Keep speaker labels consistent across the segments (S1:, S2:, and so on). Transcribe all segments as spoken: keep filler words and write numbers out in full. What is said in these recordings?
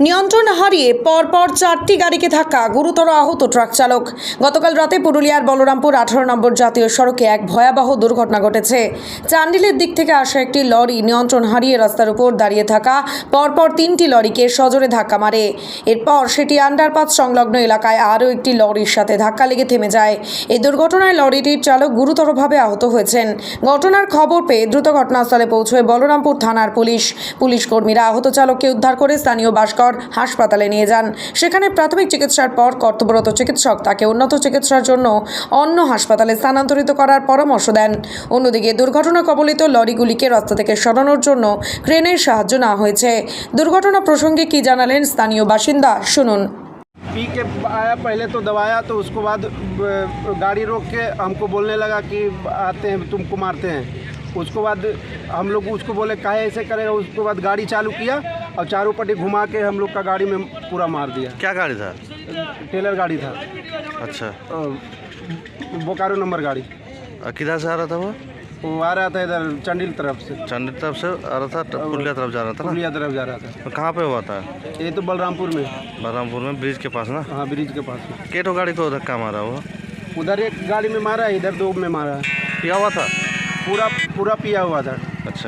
S1: নিয়ন্ত্রণ হারিয়ে পরপর চারটি গাড়িকে ধাক্কা, গুরুতর আহত ট্রাক চালক। গতকাল রাতে পুরুলিয়ার বলরামপুর আঠারো নম্বর জাতীয় সড়কে এক ভয়াবহ দুর্ঘটনা ঘটেছে। চান্ডিলের দিক থেকে আসা একটি লরি নিয়ন্ত্রণ হারিয়ে রাস্তার উপর দাঁড়িয়ে থাকা পরপর তিনটি লরিকে সজোরে ধাক্কা মারে। এরপর সেটি আন্ডারপাস সংলগ্ন এলাকায় আরও একটি লরির সাথে ধাক্কা লেগে থেমে যায়। এই দুর্ঘটনায় লরিটির চালক গুরুতরভাবে আহত হয়েছেন। ঘটনার খবর পেয়ে দ্রুত ঘটনাস্থলে পৌঁছয় বলরামপুর থানার পুলিশ। পুলিশ কর্মীরা আহত চালককে উদ্ধার করে স্থানীয় ভাস্কর হাসপাতালে নিয়ে যান। সেখানে প্রাথমিক চিকিৎসার পর কর্তব্যরত চিকিৎসক তাকে উন্নত চিকিৎসার জন্য অন্য হাসপাতালে স্থানান্তরিত করার পরামর্শ দেন। অন্যদিকে দুর্ঘটনা কবলিত লরিগুলিকে রাস্তা থেকে সরানোর জন্য ক্রেনের সাহায্য নেওয়া হয়েছে। দুর্ঘটনা প্রসঙ্গে কি জানালেন স্থানীয় বাসিন্দা, শুনুন।
S2: पी के आया, पहले तो दबाया, तो उसके बाद गाड़ी रोक के हमको बोलने लगा कि आते हैं तुमको मारते हैं। उसके बाद हम लोग उसको बोले काहे ऐसे करेगा। उसके बाद गाड़ी चालू किया और चारों पट्टी घुमा के हम लोग का गाड़ी में पूरा मार दिया।
S3: क्या गाड़ी था?
S2: टेलर गाड़ी था।
S3: अच्छा,
S2: बोकारो नंबर गाड़ी।
S3: और किधर से आ रहा था वो?
S2: वो आ रहा था इधर चंडील तरफ से।
S3: चंडी तरफ से आ रहा था, पुलिया तरफ जा रहा था ना?
S2: पुलिया तरफ जा रहा था।
S3: तो कहाँ पे हुआ था?
S2: ये तो बलरामपुर में।
S3: बलरामपुर में ब्रिज के पास ना?
S2: हाँ, ब्रिज के पास में।
S3: केटो गाड़ी को धक्का मारा वो?
S2: उधर एक गाड़ी में मारा है, इधर दो में मारा है।
S3: पिया हुआ था?
S2: पूरा पूरा पिया हुआ था।
S3: अच्छा,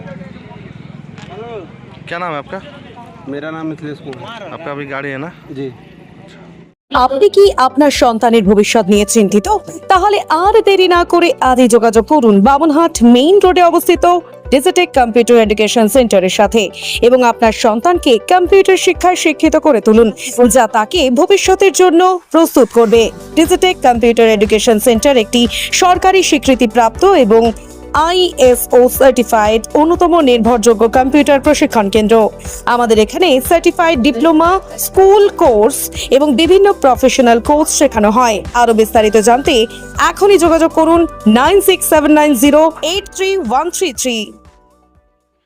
S3: क्या नाम है आपका?
S2: मेरा नाम मिथिलेश कुमार।
S3: आपका अभी गाड़ी है ना?
S2: जी।
S1: আপনি কি আপনার সন্তানের ভবিষ্যৎ নিয়ে চিন্তিত? তাহলে আর দেরি না করে আজই যোগাযোগ করুন বামনহাট মেইন রোডে অবস্থিত ডিজিটেক কম্পিউটার এডুকেশন সেন্টারের সাথে এবং আপনার সন্তানকে কম্পিউটার শিক্ষায় শিক্ষিত করে তুলুন, যা তাকে ভবিষ্যতের জন্য প্রস্তুত করবে। ডিজিটেক কম্পিউটার এডুকেশন সেন্টার একটি সরকারি স্বীকৃতিপ্রাপ্ত এবং আই এস ও সার্টিফাইড অন্যতম নির্ভরযোগ্য কম্পিউটার প্রশিক্ষণ কেন্দ্র। আমাদের এখানে সার্টিফাইড ডিপ্লোমা, স্কুল কোর্স এবং বিভিন্ন প্রফেশনাল কোর্স শেখানো হয়। আরো বিস্তারিত জানতে এখনই যোগাযোগ করুন nine six seven nine zero eight three one three three.